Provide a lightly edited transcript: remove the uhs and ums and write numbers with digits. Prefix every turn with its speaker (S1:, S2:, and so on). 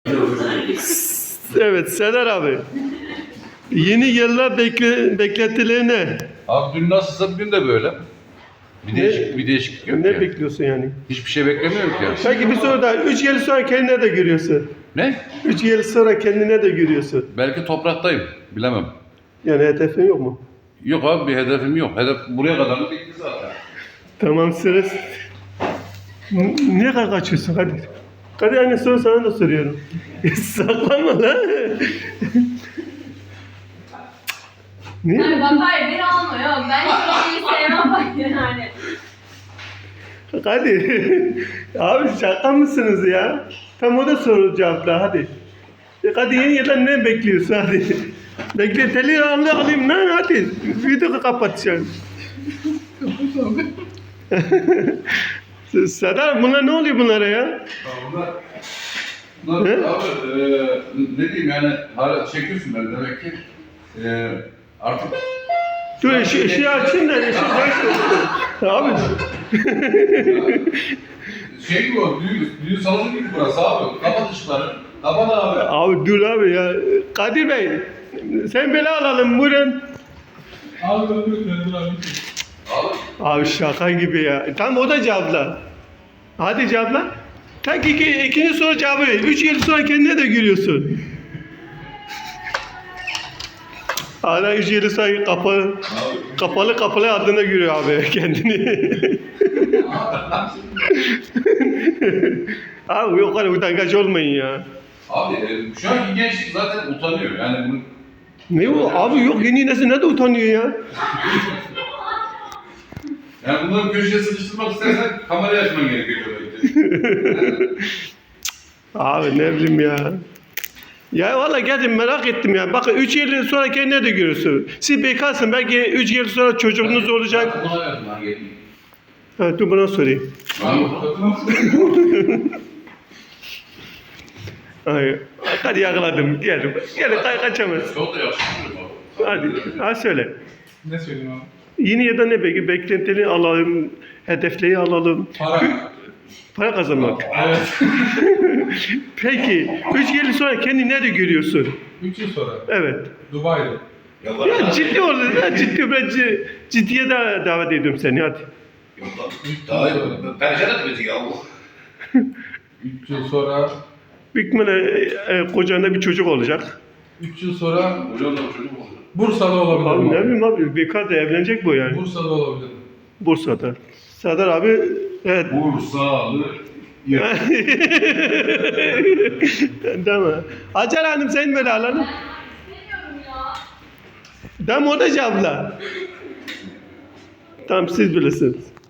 S1: Evet Serdar abi. Yeni yıllar beklentileri ne?
S2: Abi dün nasılsa bugün de böyle. Bir değişiklik yok
S1: Ne
S2: ki.
S1: bekliyorsun yani?
S2: Hiçbir şey beklemiyorum ki.
S1: Peki bir soru daha. 3 yıl sonra kendine de görüyorsun.
S2: Ne?
S1: 3 yıl sonra kendine de görüyorsun.
S2: Belki topraktayım. Bilemem.
S1: Yani hedefin yok mu?
S2: Yok abi bir hedefim yok. Hedef buraya kadar da bitti zaten.
S1: Tamam sırası. Niye kaçıyorsun? Hadi. Hadi aynı soru sana da soruyorum. Saklanma lan. Niye?
S3: Yani bak hayır beni alma yok. Ben hiç şeyi sevmem bak yani.
S1: Hadi. Abi şaka mısınız ya? Tam o da soru cevapla hadi. Hadi yeni yıldan ne bekliyorsun hadi. Bekle teli alayım lan hadi. Videoyu kapatacağım. Sadar bunlar ne oluyor bunlara ya?
S2: Bunlar
S1: He?
S2: abi ne diyeyim yani hala çekiyorsun beni demek ki. Artık
S1: Dur ışığı açayım da ışığı abi.
S2: şey gibi o düğün salonu gibi burası abi. Kapat ışıkları. Kapat abi.
S1: Abi dur abi ya. Kadir Bey sen beni alalım buyurun.
S4: Abi ben dur abi.
S2: Abi
S1: Abi şaka gibi ya. Tamam o da cevapla. Hadi cevapla. Tak ikinci soru cevabı. 3 yıl sonra kendine de gülüyorsun. Hala 3 yıl sonra kapalı adına gülüyor abi kendini. Abi yok kadar utangaç olmayın ya.
S2: Abi şu anki gençlik zaten utanıyor. Yani bunu
S1: Ne o? Abi yok yeni nesil ne de utanıyor ya.
S2: yani bunları köşeye sıkıştırmak istersen kamerayı açman gerekiyor belki.
S1: Abi ne bileyim ya. Ya valla geldim merak ettim ya. Bakın 3 yıl sonra kendine de görürsün. Siz bekarsın belki 3 yıl sonra çocuğunuz olacak.
S2: Buna verdim lan gelin.
S1: Ha, dur buna sorayım. Ay, hadi yakaladım. Gel kaçamaz.
S2: Çok da yakışıklı abi.
S1: Hadi, ha söyle.
S4: Ne söyleyeyim abi?
S1: Yeni ya da ne peki? Beklentileri alalım, hedefleri alalım.
S4: Para.
S1: Para kazanmak.
S4: Evet.
S1: Peki, 3 yıl sonra kendini nerede görüyorsun?
S4: 3 yıl sonra.
S1: Evet.
S4: Dubai'de.
S1: Ya ciddi ol, ya ciddi ben ciddiye davet ediyorum seni hadi.
S5: Yok lan. Daha perişan etti bizi ya bu.
S4: 3 yıl sonra.
S1: Büyük ihtimalle kocanda bir çocuk olacak.
S4: 3 yıl sonra
S2: Hocam da çocuk oldu.
S4: Bursa'da
S1: Abi
S4: olabilirim.
S1: ne bileyim abi, bekar da evlenecek bu yani.
S4: Bursa'da olabilirim.
S1: Bursa'da. Serdar abi, evet.
S2: Bursalı.
S1: Tamam. Hacer Hanım sen böyle alalım.
S3: İstemiyorum ya.
S1: Tamam o da cevapla. Tamam siz bilirsiniz.